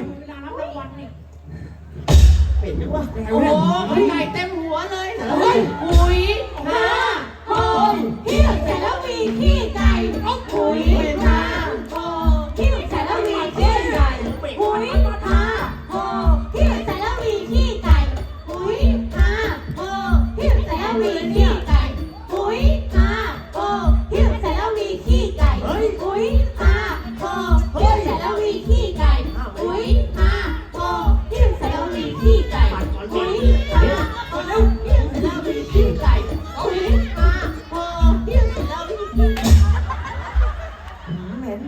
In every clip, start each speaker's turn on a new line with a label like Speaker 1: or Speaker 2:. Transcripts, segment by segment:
Speaker 1: เวลารับรางวัลนี่
Speaker 2: เป็นยังวะ
Speaker 1: โอ้โหไก่เต็มหัวเลยเฮ้ยปุ๋ยนาโฮมขี้เสร็จแล้วมีขี้ไก่ปุ๋ยนาโฮมขี้เสร็จแล้วมีขี้ไก่ปุ๋ยนาโฮมขี้เสร็จแล้วมีขี้ไก่ปุ๋ยนาโฮมขี้เสร็จแล้วมีขี้ไก่ปุ๋ยนาโฮมขี้เสร็จแล้วมีขี้ไก่ปุ๋ยนาโฮมขี้เสร็จแล้วมีขี้ไก่ปุ๋ยนาโฮมขี้เสร็จแล้วมีขี้ไก่ปุ๋ยนาโฮมขี้เสร็จแล้วมีขี้ไก่ปุ๋ยนาโฮมขี้เสร็จแล้วมีขี้ไก่
Speaker 2: เหม็น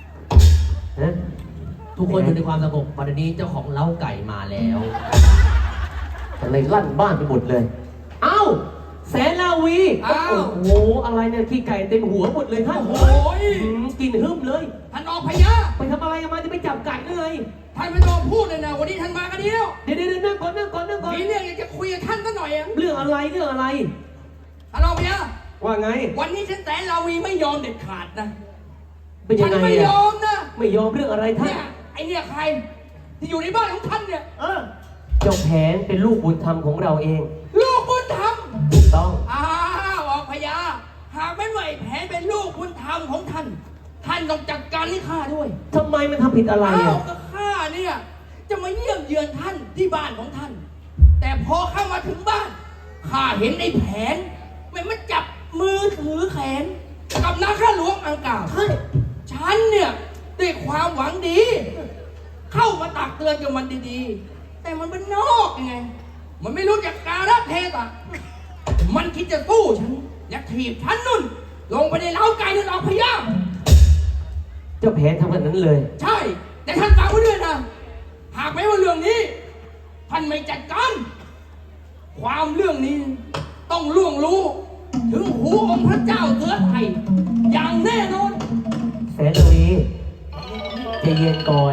Speaker 3: ทุกคนอยู่ในความสงบวันนี้เจ้าของเล้าไก่มาแล้ว
Speaker 4: อะไรลั่นบ้านไปหมดเลย เอ้าแสนลาวี
Speaker 3: อ้าว
Speaker 4: โอ้โหอะไรเนี่ยขี้ไก่เต็มหัวหมดเลยท่าน
Speaker 3: โอ้ย
Speaker 4: กินหึ่มเลย
Speaker 3: ท่านออกพยา
Speaker 4: ไปทำอะไรกันมาจะไปจับไก่หรือไง
Speaker 3: ท่านไม่ต้องพูดเลยนะวันนี้ท่านมากันดีแล้ว
Speaker 4: เดี๋ยวนั่งก่อนนั่งก่อน
Speaker 3: มีเรื่องอยากจะคุยกับท่านสักหน่อยอะ
Speaker 4: เรื่องอะไร
Speaker 3: ท่านออกพยา
Speaker 4: ว่าไง
Speaker 3: วันนี้ฉันแสนลาวีไม่ยอมเด็ดขาดนะ
Speaker 4: เป็นยั
Speaker 3: ฉั
Speaker 4: งไง
Speaker 3: ไม่ย
Speaker 4: อะ
Speaker 3: อมนะ
Speaker 4: ไม่ยอมเรื่องอะไรท่าน
Speaker 3: เนี่ยไอเนี่ยใคร ที่อยู่ในบ้านของท่านเนี่ย
Speaker 4: เจ้าแผนเป็นลูกบุญธรรมของเราเอง
Speaker 3: ลูกบุญธรรม
Speaker 4: ถูกต้อง
Speaker 3: อ้าวออกพยาหากไม่ไหวแผนเป็นลูกบุญธรรมของท่าน ท่านต้องจัดการให้ข้าด้วย
Speaker 4: ทำไมมันทำผิดอะไร
Speaker 3: อ้าว
Speaker 4: อะ
Speaker 3: ก็ข้าเนี่ยจะมาเยี่ยมเยือนท่านที่บ้านของท่าน แต่พอเข้ามาถึงบ้านข้าเห็นไอ้แผนมันจับมือถือแขนกับนาข้าหลวงอังกาบฉันเนี่ยด้วยความหวังดี เข้ามาตักเตือนกับมันดีๆ แต่มันเป็นนอกยังไง มันไม่รู้จักการะเทศะมันคิดจะสู้ฉันอยากถีบฉันนุ่น ลงไปในเล้าไก่นั่นเอาพยา
Speaker 4: เจ้าแผนทำแบบนั้นเลย
Speaker 3: ใช่ แต่ท่านฟังไว้ด้วยนะ หากไม่ว่าเรื่องนี้ ท่านไม่จัดการ ความเรื่องนี้ต้องล่วงรู้ ถึงหูองค์พระเจ้าเสือไทย อย่างแน่นอน
Speaker 4: แสนลาวีใจเย็นก่อน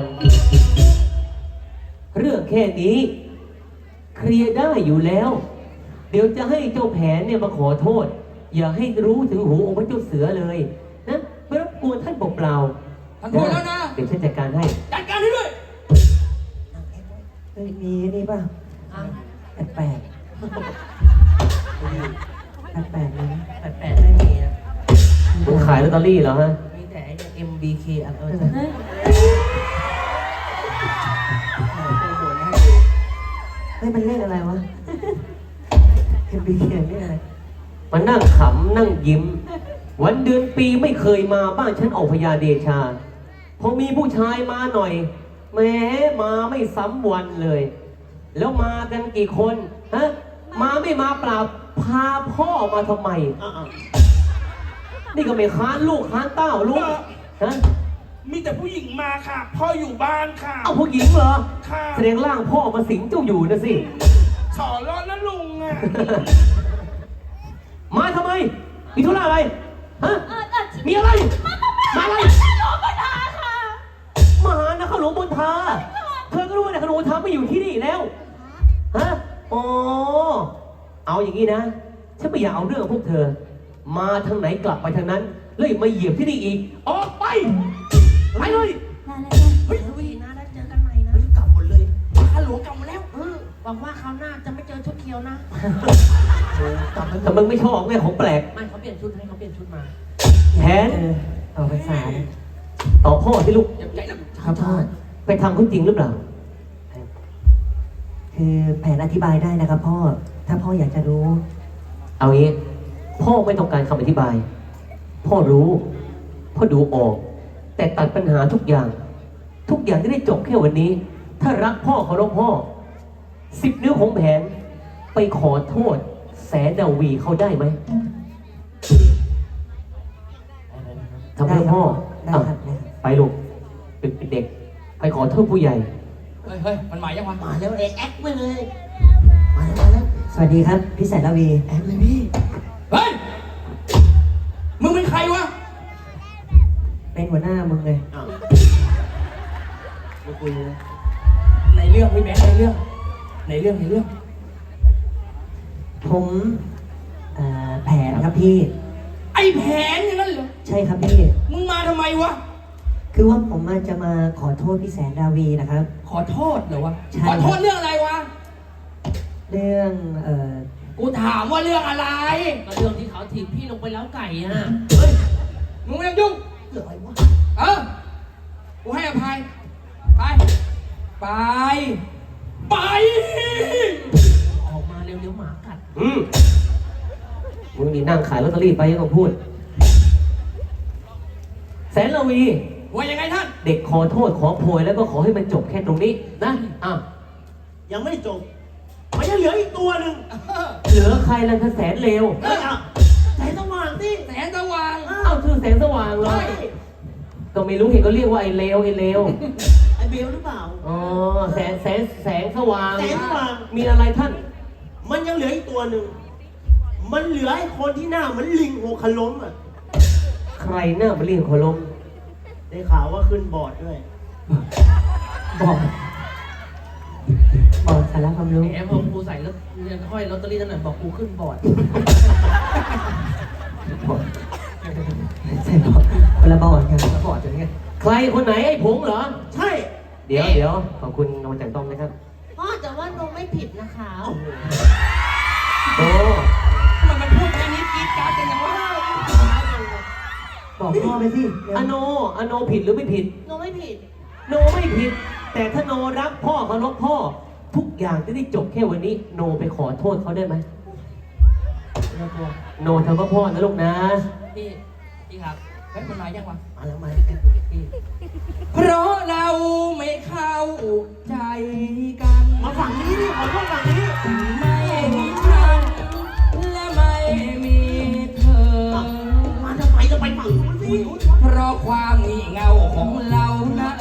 Speaker 4: เรื่องแค่นี้ เคลียร์ได้อยู่แล้ว เดี๋ยวจะให้เจ้าแผนเนี่ยมาขอโทษ อย่าให้รู้ถึงหูองค์พระเจ้าเสือเลยนะไม่รบกวนท่านเปล่าๆ
Speaker 3: ท่านพูดแล้วนะ
Speaker 4: เดี๋ยวฉันจัดการให้
Speaker 3: จัดการให้ด้วย
Speaker 2: มีนี่ป่ะแปลกแปลกเลย
Speaker 1: แปดไม่มีนะ
Speaker 4: คุณขายลอตเตอรี่เหรอฮะ
Speaker 1: มีแต่ไอ้เนี่ย MBK อัน
Speaker 2: เฮ้ยมันเลขอะไรวะเอ็มบีเขียนเลขอะไร
Speaker 4: มันนั่งขำนั่งยิ้ม วันเดือนปีไม่เคยมาบ้านฉันออกพญาเดชา พอมีผู้ชายมาหน่อยแหม้มาไม่ซ้ำวันเลย แล้วมากันกี่คนฮะมาไม่มาเปล่าพาพ่อมาทำไมนี่ก็ไม่ค้านลูกค้านเต้าลูกฮะ
Speaker 5: มีแต่ผู้หญิงมาค่ะ พ่ออยู่บ้านค่ะ
Speaker 4: เอาผู้หญิงเหรอ
Speaker 5: ค่ะ
Speaker 4: แสดงร่างพ่อมาสิงเจ้าอยู่นะสิ
Speaker 5: ขอร้อนนะลุงอ่ะ
Speaker 4: มาทำไม มีธุระอะไร ฮะ มีอะไร มาอะไร
Speaker 1: หลวงพ่อทาค่ะ
Speaker 4: มาหานะข้าหลวงบนทา เธอก็รู้ว่านะข้าหลวงบนทาไม่อยู่ที่นี่แล้ว ฮะ อ๋อ เอาอย่างนี้นะ ฉันไม่อยากเอาเรื่องพวกเธอ มาทางไหนกลับไปทางนั้นเลยมาเหยียบที่นี่อีก ออกไป ไปเลย
Speaker 1: เฮ้ยวีนะได้เจอกันใหม่นะ
Speaker 3: กลับหมดเลยข้าหลวงกลับมาแล้ว
Speaker 1: หวังว่าคราวหน้าจะไม่เจอชุดเขียวนะ
Speaker 4: แต่มึงไม่ชอบไงของแปลก
Speaker 1: ไม่เขาเปลี่ยนชุดให้เขาเปลี่ยนชุดมา
Speaker 4: แผน
Speaker 2: ต่อภาษา
Speaker 4: ต่อพ่อที่ลูก
Speaker 3: อย่าใจนะครับ
Speaker 2: พ่อ
Speaker 4: ไปทำเขาจริงหรือเปล่า
Speaker 2: คือแผนอธิบายได้นะครับพ่อ ถ้าพ่ออยากจะรู้
Speaker 4: เอางี้ พ่อไม่ต้องการคำอธิบาย พ่อรู้ พ่อดูออก แต่ตัดปัญหาทุกอย่าง ทุกอย่างจะได้จบแค่วันนี้ ถ้ารักพ่อเคารพพ่อ10 นิ้วของแผน ไปขอโทษ แสนดาวีเขาได้ไหมทำเพื่อพ่อ
Speaker 2: ได้ครับ
Speaker 4: อ่ะไปลูกเป็นเด็ก ไปขอโทษผู้ใหญ่
Speaker 3: เฮ้ย มันหมายยังวะ
Speaker 1: มาแล้วเอกแอคไปเลย
Speaker 3: มาแล้ว
Speaker 2: สวัสดีครับ พี่แสนระวี
Speaker 3: แอบเลยพี่ เฮ้ย มึงเป็นใครวะ
Speaker 2: เป็นหัวหน้ามึงเลย
Speaker 3: มาคุยเลยในเรื่องพี่แบงค์ในเรื่อง
Speaker 2: ผมแผนครับพี่
Speaker 3: ไอ้แผนอย่างนั้นเหรอ
Speaker 2: ใช่ครับพี่
Speaker 3: มึงมาทำไมวะ
Speaker 2: คือว่าผมมาจะมาขอโทษพี่แสนดาวีนะครับ
Speaker 3: ขอโทษเหรอวะ
Speaker 2: ใช่
Speaker 3: ขอโทษเรื่องอะไรวะ
Speaker 2: เรื่อง
Speaker 3: กูถามว่าเรื่องอะไร
Speaker 1: ก็เรื่องที่เขาถีบพี่ลงไปแล้วไก่อะ
Speaker 3: เฮ้ย มึงไม่ต้องยุ่ง
Speaker 2: เรื่องอะไรวะ
Speaker 3: เออ กูให้อภัย ไป ไป ไป
Speaker 1: ออกมาเร็วๆหมากัด
Speaker 4: มึงนี่นั่งขายลอตเตอรี่ไปยังต้องพูด แสนละวี
Speaker 3: ว่ายังไงท่าน
Speaker 4: เด็กขอโทษขอโพยแล้วก็ขอให้มันจบแค่ตรงนี้นะอ่ะ
Speaker 5: ยังไม่จบ มันยังเหลืออีกตัวหนึ่ง
Speaker 4: เหลือใครล่ะถ้าแสนเลว
Speaker 5: เฮ้ยอ่ะแสงสว่างสิ
Speaker 3: แสนสว่าง
Speaker 4: เอ้าชื่อแสงสว่างเหรอ
Speaker 3: ใช่
Speaker 4: ก็ไม่รู้เห็นก็เรียกว่าไอ้เลวไอ้เลว
Speaker 5: ไอเบลหรือเปล่า
Speaker 4: อ๋อแสงสว่าง
Speaker 5: แสงสว่าง
Speaker 4: มีอะไรท่าน
Speaker 5: มันยังเหลืออีกตัวหนึ่ง มันเหลือไอ้คนที่หน้าเหมือนลิงหัวขล้มอ่ะ
Speaker 4: ใครหน้ามาเรียกขอลม
Speaker 5: ได้ข่าวว่าขึ้นบอร์ดด้วย
Speaker 2: บอกสาระความรู้
Speaker 1: แหมพอกูใส่แล้วเรียนห้อยลอตเตอรี่นั่นน่ะบอกกูขึ้นบอร์ด
Speaker 2: ใช่บอกคนละบอร์ดกัน
Speaker 1: แล้วบอร์ดจะไง
Speaker 4: ใครคนไหนไอ้ผงเหรอ
Speaker 5: ใช่
Speaker 4: เดี๋ยวขอบคุณนวลจันทร์ต้องนะครับ
Speaker 1: พ่อแต่ว่าน้องไม่ผิดนะคะ
Speaker 4: โต
Speaker 3: ทำไมมันพูดแค่นี้กรีดกราร์ดกันยังวะ
Speaker 2: บอกพ่อไปสิเดี๋ยว
Speaker 4: อโนผิดหรือไม่ผิด
Speaker 1: น้องไม่ผิด
Speaker 4: โนไม่ผิด แต่ถ้าโนรักพ่อเคารพพ่อ ทุกอย่างจะได้จบแค่วันนี้ โนไปขอโทษเขาได้ไหมโนทำเพื่อพ่อนะลูกนะ
Speaker 1: พี่ครับ
Speaker 3: เฮ้ยมันมายังวะ
Speaker 1: มาแล้วมาพี่
Speaker 3: เพราะเราไม่เข้าใจกัน
Speaker 5: มาฝั่งนี้ดิขอโทษฝั่งนี้
Speaker 3: ไม่มีฉันและไม่มีเธอ
Speaker 5: มาทำไมจะไปฝั่งนู้นสิ
Speaker 3: เพราะความงี่เง่าของเรานะ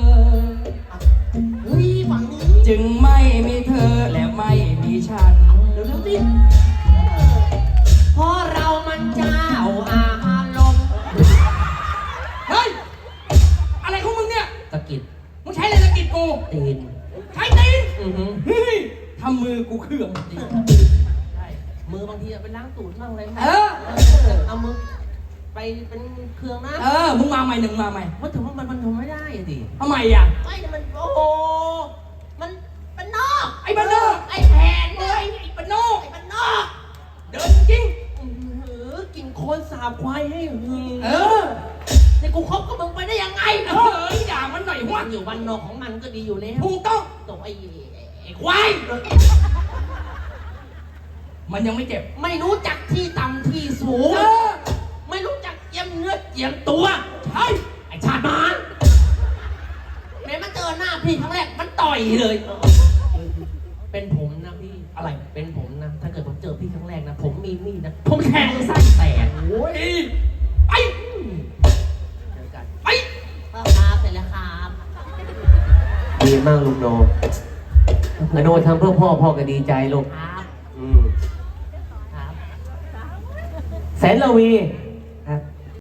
Speaker 5: เฮ้ยฝั่งนี้
Speaker 3: จึงไม่มีเธอและไม่มีฉัน
Speaker 5: เร็วๆสิ
Speaker 1: เพราะเรามันเจ้าอารมณ์
Speaker 3: เฮ้ย อะไรของมึงเนี่ย
Speaker 1: ตะกิด
Speaker 3: มึงใช้อะไรสะกิดกู
Speaker 1: ตีน
Speaker 3: ใช้ตีน
Speaker 1: อือหือ
Speaker 3: เฮ้ยทำมือกูเครื่อง
Speaker 1: ตีนใช่มือบางทีอะไปล้างตูดบ้างอะไรบ้าง
Speaker 3: เออ
Speaker 1: เอามือไปเป็นเครื่องนะ
Speaker 3: มึงมาใหม่หนึ่งมาใหม่
Speaker 1: ว่าถึงว่ามันทำไม่ได้อะดิ
Speaker 3: ทำไมอ่ะ
Speaker 1: ไม่มันโอ้โหมันเป็นนอก
Speaker 3: ไอ้บ้านนอก
Speaker 1: ไอ้แผนเลย
Speaker 3: ไอ้ปนนอก
Speaker 1: ไอ้มันนอก
Speaker 3: เดินจริง
Speaker 1: กินโคลนสาบควายให้หึง
Speaker 3: เออ
Speaker 1: ให้กูคบกับมึงไปได้ยังไง
Speaker 3: เฮ้ยด่ามันหน่อย
Speaker 1: มั
Speaker 3: วะ
Speaker 1: นอยู่บ้านนอกของมันก็ดีอยู่แล้ว
Speaker 3: ถูกต้อง
Speaker 1: ตกไอ้ควาย
Speaker 3: มันยังไม่เจ็บ
Speaker 1: ไม่รู้จักที่ต่ำที่สูง
Speaker 3: เออ
Speaker 1: ไม่รู้จักเจียมเนื้อเจียมตัว
Speaker 3: ใช่
Speaker 1: ไอ้ชาติมารแม้มันเจอหน้าพี่ครั้งแรกมันต่อยเลย เป็นผมนะพี่
Speaker 3: อะไร
Speaker 1: เป็นผมนะ ถ้าเกิดผมเจอพี่ครั้งแรกนะ ผมมีมีดนะ ผมแทงไส้แตก
Speaker 3: โอ้ย ไป
Speaker 1: เจอกัน
Speaker 3: ไป
Speaker 1: ครับเสร็จแล้วครับ
Speaker 4: ดีมากลูกโนอโนทำเพื่อพ่อพ่อก็ดีใจลูก
Speaker 1: ครับ
Speaker 4: อืม
Speaker 1: ครับ
Speaker 4: แสนละวี